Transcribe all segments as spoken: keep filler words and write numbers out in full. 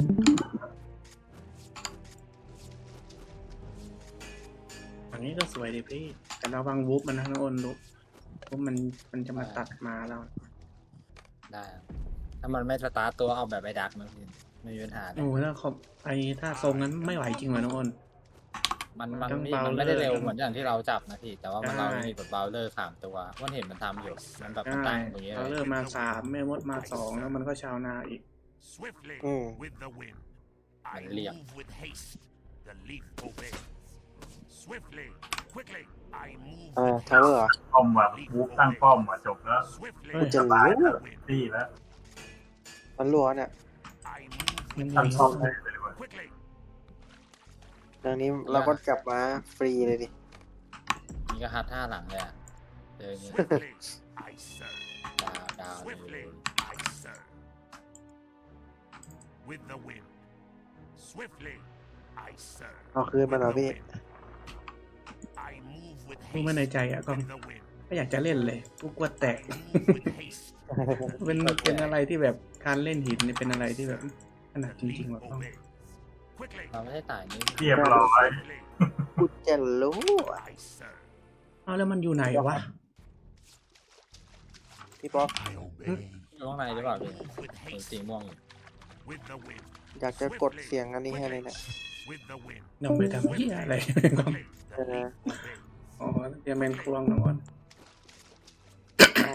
อันนี้ก็สวยดีพี่แต่ระวังวูฟมันนะน้องอ้นวูฟวูฟมันมันจะมาตัดมาเราได้ถ้ามันไม่สตาร์ทตัวเอาแบบไปดักมันไม่มีปัญหาเลยโอ้แล้วเขาไอ้ถ้าทรงนั้นไม่ไหวจริงเหรอน้องอ้นมันมันต้องนี่เบามันไม่ได้เร็วเลยเหมือนอย่างที่เราจับนะพี่แต่ว่ามันใช่เรามีแบบเบาเลอร์สามตัวมันเห็นมันทำอยู่มันแบบมันใช่ตั้งอย่างเงี้ยเราเลเริ่ยมมาสามแม่มดมาสองแล้วมันก็ชาวนาอีก Swiftly Mm. with the wind. I Mình liệng. move with haste. The leaf obeys. Swiftly, quickly, I move อ่า with ทาวเวอร์เหรอป้อมว่ะวูฟตั้งป้อมว่ะจบแล้ว Swiftly เฮ้ยจะตายรู้แล้วตีแล้วมันรัวเนี่ย I move มัน with มีตั้งป้อมได้เลยว่ะ quickly. ดังนี้เราก็กลับมาฟรีเลยดินี่ก็ฮัทท่าหลังเลยอะเจออย่างเงี้ย Swiftly, I serve. ดาวดาวเล Swiftly, ย I serve. With the wind. Swiftly, I serve. เอาคืนมาหน่อยพี่ I move with พูดมาใน haste. ใจอ่ะก็ With the wind. ไม่อยากจะเล่นเลยกูกลัวแตก I move with haste. เป็นเป็นอะไรที่แบบการเล่นหินนี่เป็นอะไรที่แบบขนาด The จริง leaf ๆแบบต้อง obeys. Quickly, เราไม่ได้ต่ายนี่เรียบร้อย swiftly, กูจะรู้อะ I serve. เอาแล้วมันอยู่ไหนวะพี่ป๊อก I obey. อยู่ข้างในหรือเปล่าพี่ Move with เห็น haste. สีม่วงอยู่ With the wind. อยากจะกดเสียงอันนี้ให้เลยเนี่ย With the wind. เราไปทำเหี้ยอะไร Quickly, the Uh, leaf obeys. อ๋อจะเป็นควงน้องอ้นอ๋อ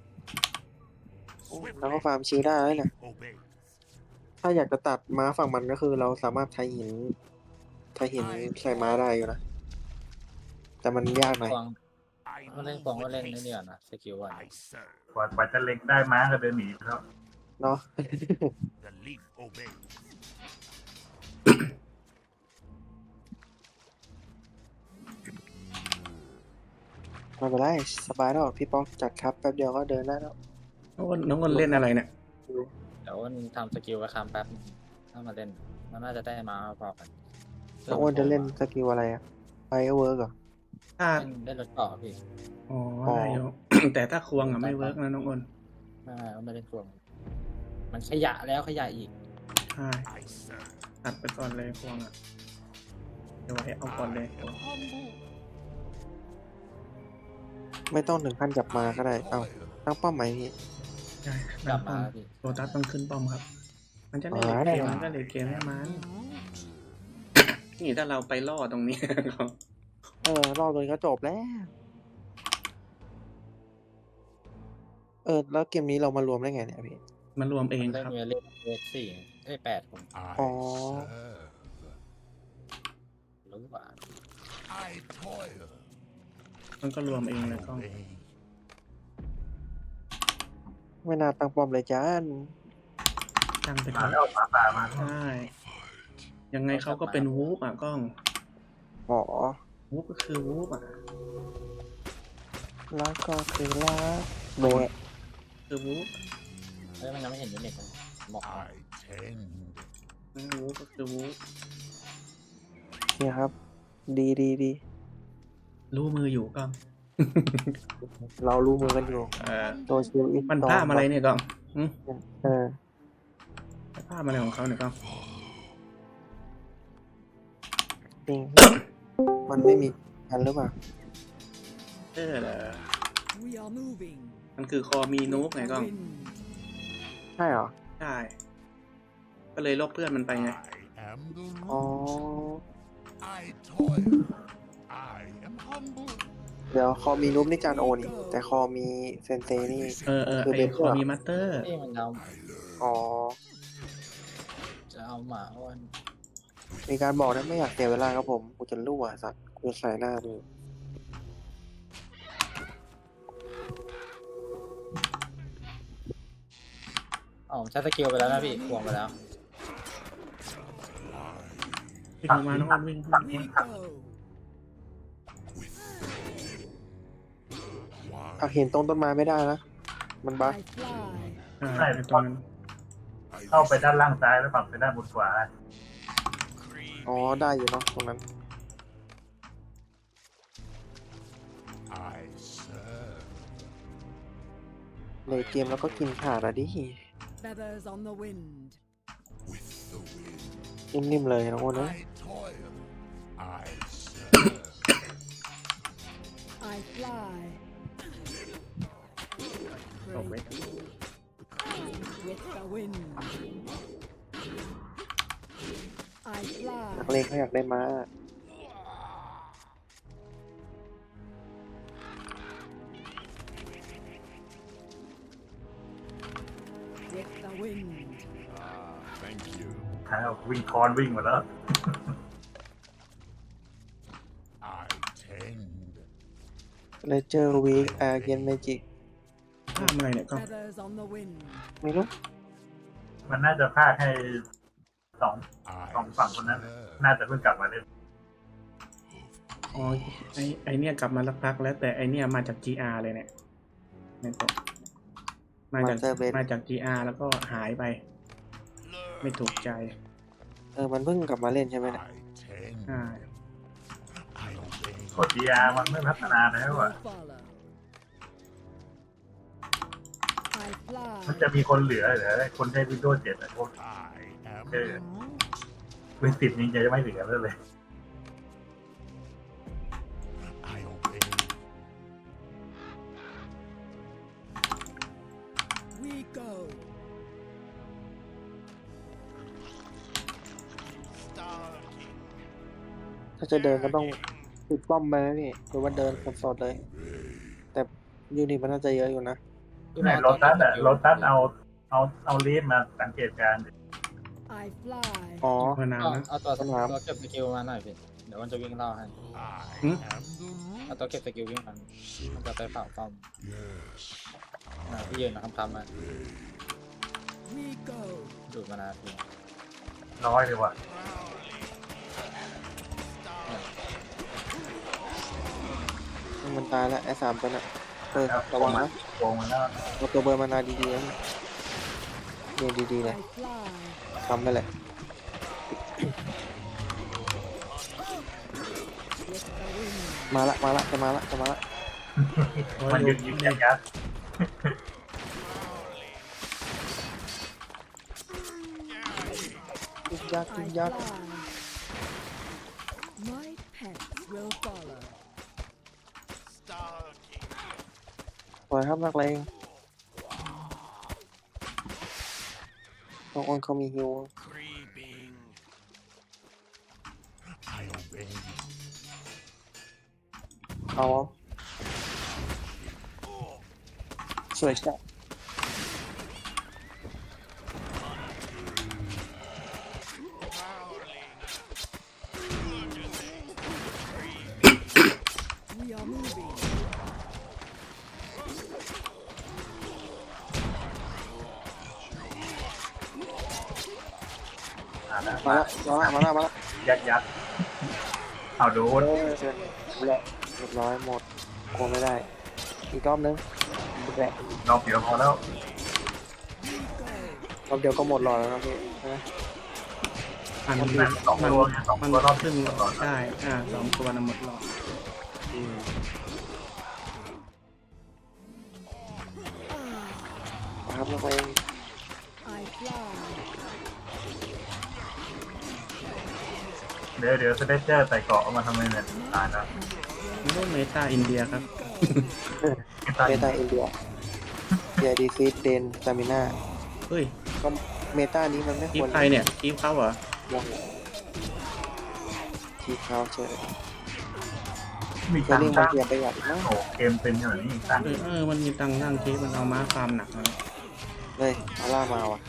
แล้วก็ฟาร์มชิลได้แล้วเนี่ย Obeys. ถ้าอยากจะตัดม้าฝั่งมันก็คือเราสามารถใช้หินใช้หินใส่ม้าได้อยู่นะ แต่มันยากหน่อยควง I ก็เล่น move ควงก็ with เล่นนี่ haste. เดียวนะสกิลอ่ะ I serve. กว่ากว่าจะเล็งได้ม้าก็เดินหนีไปแล้วเนาะ The leaf obeys. ไม่เป็นไรสบายแล้วพี่ป๊อกจัดครับแป๊บเดียวก็เดินได้แล้วน้องอ้นน้องอ้นเล่นอะไรเนี่ยเดี๋ยวมันทำสกิลไว้คำแป๊บถ้ามาเล่นมันน่าจะได้มาพอกันน้องอ้วนจะเล่นสกิลอะไรอะไฟเวิร์กเหรอถ้าเล่นได้รถต่อพี่อ๋อได้อยู่ แต่ถ้าควงอ่ะไม่เวิร์กนะน้องอ้นไม่ไม่ไม่เล่นควงมันขยะแล้วขยะอีกใช่ I serve. ตัดไปก่อนเลยควงอ่ะเดี๋ยวไว้เอาก่อนเลยไม่ต้องถึงขั้นจับมาก็ได้ เอ้าตั้งเป้าหมายพี่ใช่กลับป้อมาม พี่โรตัสต้องขึ้นป้อมครับ มันจะเล่นอ๋อเกมได้มันก็เลยเกมให้มันนี่ถ้าเราไปล่อตรงนี้ เขาเออรอบตัวนี้ก็จบแล้ว เออ แล้วเกมนี้เรามารวมได้ไงเนี่ยพี่มันรวมเองเล่นครับเวลเล่นเวทสี่ได้แปดคนอ๋อรู้ว่า I toil. มันก็รวมเองเลยก็ Obey. ไม่น่าตั้งป้อมเลยจ้านตั้งไปมาเถแล้วอะหมาป่ามาใช่ยังไงเขาก็เป็นวูฟอ่ะกล้องอ๋อวูฟก็คือวูฟอ่ะแล้วก็คือลาโบะคือวูฟเฮ้ยมันยังไม่เห็นยูนิตเลยบอก I tend. วูฟก็คือวูฟเนี่ยครับ ดีดีดีรู้มืออยู่กล้องเรารู้มือกันอยู่เออโซเชียลอินมันผ้าอะไรเนี่ยกล้องหึเออผ้าอะไรของเขาเนี่ยกล้องจริง มันไม่มีกันหรือเปล่าเออเหรอ We are moving. มันคือคอมีนูบไงกล้อง Wind. ใช่เหรอใช่ ก็เลยลบเพื่อนมันไปไง I am the อ๋อ root. I toil. I am humble. เดี๋ยวคอมีนุ๊บนี่จานโอนี่ แต่คอมีเซนเซนี่เออเออคือไอเป็นคอมีมัตเตอร์นี่มันเอาอ๋อจะเอาหมาอ้วนมีการบอกนะไม่อยากเสียเวลาครับผม กูจะรั่วสัตว์ กูจะใส่หน้าดูอ๋อผมใช้สกิลไปแล้วนะพี่ควงไปแล้ววิ่งออกมาน้องอ้นวิ่งวิ่งวิ่ง Go. เอาเห็นตรงต้นไม้ไม่ได้นะ มันบั๊ก I fly. ใช่ไอ้ตรงนั้นเข้าไปด้านล่างซ้ายแล้วปรับไปด้านบนขวาอ๋อ ได้อยู่เนาะตรงนั้น I serve. เลยเกมแล้วก็กินขาดอะดิ Feathers on the wind. With the นิ่มๆเลยน้องอ้นเอ้ย I toil. I serve. I fly. ตกไว้ With the wind. I นัก fly. เลงเขาอยากได้ม้า With the wind. Ah, thank you. ใครเอาวิ่งคอนวิ่งหมดแล้ว I tend. เลเจอร์วีคอาร์เกนเมจิกข้ามอะไรเนี่ยก็ Feathers on the wind. ไม่รู้มันน่าจะพากให้สอง I สองฝั่งคนนั้น serve. น่าจะเพิ่งกลับมาเล่นอ๋อไอไอเนี่ยกลับมาสักพักแล้วแต่ไอเนี่ยมาจาก จี อาร์ เลยเนี่ยเนี่ยตกมาจาก Master Bed มาจาก จี อาร์ แล้วก็หายไป ไม่ถูกใจเออมันเพิ่งกลับมาเล่นใช่ไหมเนี่ย I tend. อ่า I obey. กด จี อาร์ มันไม่พัฒนาแล้วอ่ะ Will follow. I มัน fly. จะมีคนเหลือเหรอคนใช้ Windows เจ็ดอะพวก I am Okay. the root. Win สิบนี้จะไม่เหลือเลย I obey. We go. ถ้าจะเดินก็ต้องปิดป้อมไปนะพี่หรือว่าเดินสดๆเลย แต่ยูนิตมันน่าจะเยอะอยู่นะพี่ไหนมอสโรตัสตอะนนี้โรตัสเอาเอาเอาลีดมาสังเกตการณ์ดิ I fly. อ๋อพอนานเอานะเอาตัวสนามตัวเก็บสกิลมาหน่อยพี่เดี๋ยวมันจะวิ่งเล่าให้ I Hmm? am the root. เอาตัวเก็บสกิลวิ่งมันมันจะไปเฝ้าป้อม Yes. อ่าพี่ยืนนะคำคำมา We go. ดูดมานาทีน้อยเลยว่ะมันตายแล้วไอ้สามตัวน่ะเออระวังนะโกงมันแล้วเอาตัวเบอร์มานาดีๆนะเรียนดีๆเลย I fly. ทำไปเลย With the wind. มาละมาละจะมาละจะมาละมันยึดยึดยัดยัดยึกยัก I ยึกยัก fly. My pets will follow. ปล่อยครับนักเลงน้องอ้นเขามีฮิว Creeping. I obey. เอาสวยจัด We are moving. อ่านะมาละมาละมาละมาละยัดยัดเอาโดโอ้นยเชิญแหละเรียบร้อยหมดกลัวไม่ได้ อีกรอบนึงแหละรอบเดียวพอแล้วรอบเดียวก็หมดหลอดแล้วนะพี่ใช่ไหมมันมันมันสองมันตัวไงสองมันตัวรอบขึ้นตลอดได้อ่าสองตัวนะหมดหลอดอืมครับนักเลง I fly. เดี๋ยวเดี๋ยวจะได้เจอใส่เกาะเอามาทำไมเนี่ยตายแล้วนี่ก็เมตาอินเดียครับตายเมตาอินเดียเดียดีซีดเดนสตามิน่าเฮ้ยก็เมตานี้มันไม่คีคบวรใครเนี่ยคีบเขาเหรอลงทีเขาเฉยมีจะตังเรียกค์มาตั้งเกียร์ประหยัดอีกนะโอ้เกมเป็นอย่างนี้ตังค์เออเออมันมีตังค์นั่งคีบมันเอาม้าฟาร์มหนักนะเลยอาร่ามาว่ะ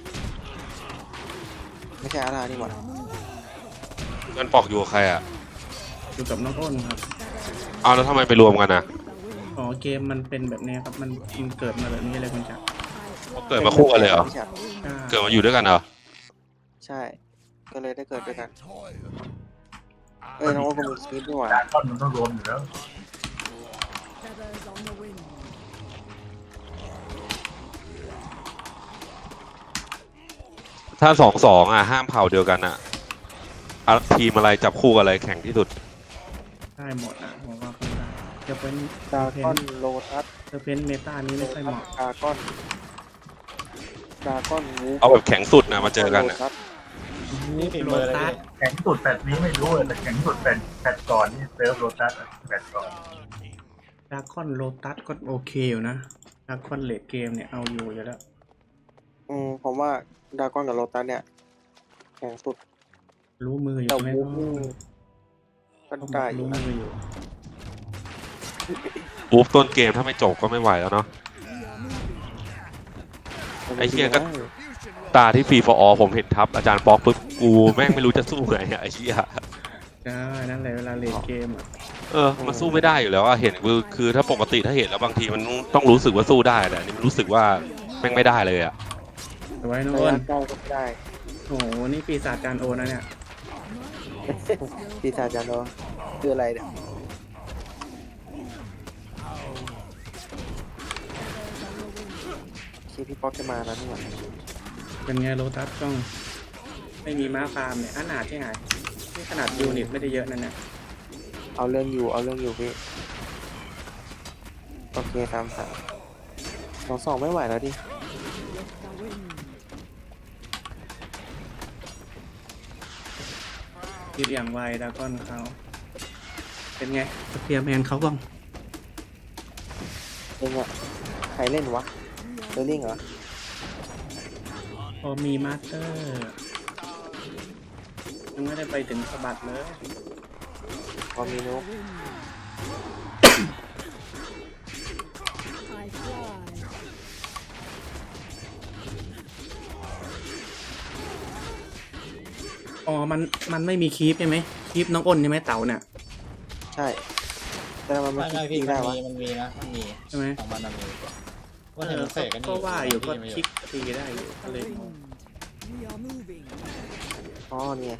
ไม่ใช่อาร่านี่หว่าเงินปอกอยู่กับใครอ่ะอยู่กับน้องอ้นครับเอาแล้วทำไมไปรวมกันอ่ะอ๋อเกมมันเป็นแบบนี้ครับมันมันเกิดมาแบบนี้เลยคุณจักรเขาเกิดมาคู่กันเลยเหรอไม่ใช่อ่าเกิดมาอยู่ด้วยกันเหรอใช่ ก็เลยได้เกิดด้วยกัน I toil. เอ้ยน้องก็มีคลิปด้วยว่ะดราก้อนมันต้องรวมอยู่แล้ว Feathers on the wind. ถ้าสองสองอ่ะ ห้ามเผ่าเดียวกันอ่ะอ่ะทีมอะไรจับคู่กับอะไรแข่งที่สุดได้หมดอ่ะผมว่าคุณได้จะเป็นดราเพก้อนนโลทัสจะเป็นเมตานี้ไม่ค่อยเหมาะดราก้อนดราก้อนวูฟเอาแบบแข็งสุดนะมาเจอกันโลอ่ะทัสนี่ฝีโลมือเลยตัสพี่แข็งสุดแปดนี้ไม่รู้เลยแต่แข็งสุดแปดแปดก่อนนี่เซิร์ฟโรตัสแปดก่อนดาร์คอนโลตัสก็โอเคอยู่นะดาร์คอนเลดเกมเนี่ยเอาอยู่อยู่แล้วอืมผมว่าดากอนกับโลตัสเนี่ยแข็งสุดรู้มืออยู่แต่ใช่ไหมวูฟนี่ก็ได้อยู่รู้นะมืออยู่ปุ๊บต้นเกมถ้าไม่จบก็ไม่ไหวแล้วเนาะ We are moving. ไอ้เหี้ยก็ ตาที่ฟรีฟอร์อผมเห็นทับอาจารย์ป๊อกปุ๊บกูแม่งไม่รู้จะสู้ไงอะไอ้เหี้ยใช่นั่นแหละเวลาเลดเกมอ่ะเออมันสู้ไม่ได้อยู่แล้วอะเห็นคือคือถ้าปกติถ้าเห็นแล้วบางทีมันต้องรู้สึกว่าสู้ได้แต่อันนี่มันรู้สึกว่าแม่งไม่ได้เลยอะแต่ไว้นะระอ้นยะใกล้ก็ไม่ได้โอ้โหนี่ปีศาจจานโอนะเนี่ยปีศาจจานโดคืออะไรเนี่ย ที่พี่ป๊อกจะมาแล้วนี่หว่าเป็นไงโลตัสต้องไม่มีม้าฟาร์มเนี่ยขนาดที่ไหนนี่ขนาดยูนิตไม่ได้เยอะนั่นเนี่ยเอาเรื่องอยู่เอาเรื่องอยู่พี่โอเคตามสามสองสองไม่ไหวแล้วดิ With the wind. คิดอย่างไวดากอนเขาเป็นไงสเปียร์แมนเขาบ้างเองอะใครเล่นวะเดลลิงเหรอพอมีมาสเตอร์ยังไม่ได้ไปถึงสะบัดเลยพอมีนุก Wind. I fly. อ๋อมันมันไม่มีคีปใช่ไหมคีปน้องอ้นใช่ไหมเต่าเนี่ยใช่ แต่มันไม่ไม่ไม่คิพี่ดมัได้นวะมีมันมีนะมันมีใช่ไหมของมันมันมีว่าเอเห็นอมันเสกกันก็ว่าอยู่ก็พี่คลิกตีได้อยู่ก็เลย The wind. We are moving. อ๋อเนี่ย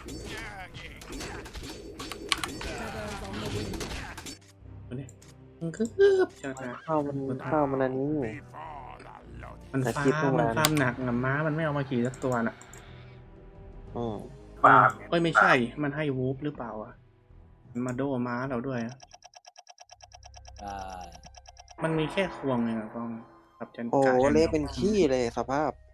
Feathers on the wind. มันคืบจังนะข้าวมันข้าวมันอันนี้ Before the lot. มันแต่ฟาคลิปร์มโรงมันแรมฟาร์มหนักอะม้ามันไม่เอามาขี่สักตัวน่ะอืมฟาร์มเนี่ยเอ้ยไม่ใช่ มันให้วูฟหรือเปล่าอ่ะมันมาโดม้าเราด้วยอะอ่ามันมีแค่ควงเองอะกองกับจันโอ้กาเละเป็นขี้เลยสภาพ